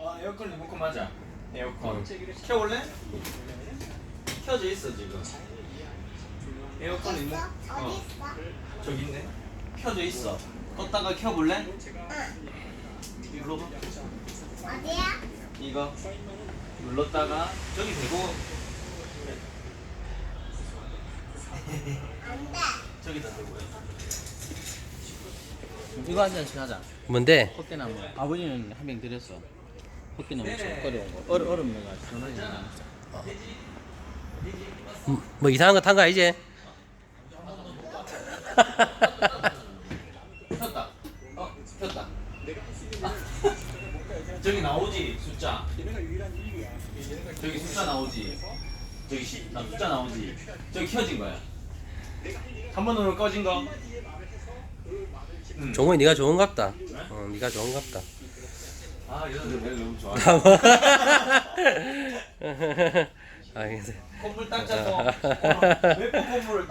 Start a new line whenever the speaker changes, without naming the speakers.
에어컨 리모컨 맞아. 에어컨. 켜볼래? 켜져 있어 지금. 에어컨 리모.
어디 있어?
저기 있네. 켜져 있어. 껐다가 켜볼래? 이거 봐.
어디야?
이거 눌렀다가 저기 대고
안 돼.
저기다 대고요.
이거 한 잔씩 하자.
뭔데?
헛개나무. 아버지는 한 병 드렸어. 헛개나무 좀 끓여온 거. 얼음 넣어가지고 전화기 하나 먹자.
뭐 이상한 거 탄 거 아니지?
켰다. 켰다. 저기 나오지 숫자. 저기 숫자 나오지. 저기 숫자 나오지. 저기 켜진 거야. 한 번 누르면 꺼진 거.
종호이 네가 좋은갑다. 네가 좋은갑다.
아 이런 데 내가 너무 좋아.
알겠어.
콧물 딱 잡고. 왜 콧물을 딱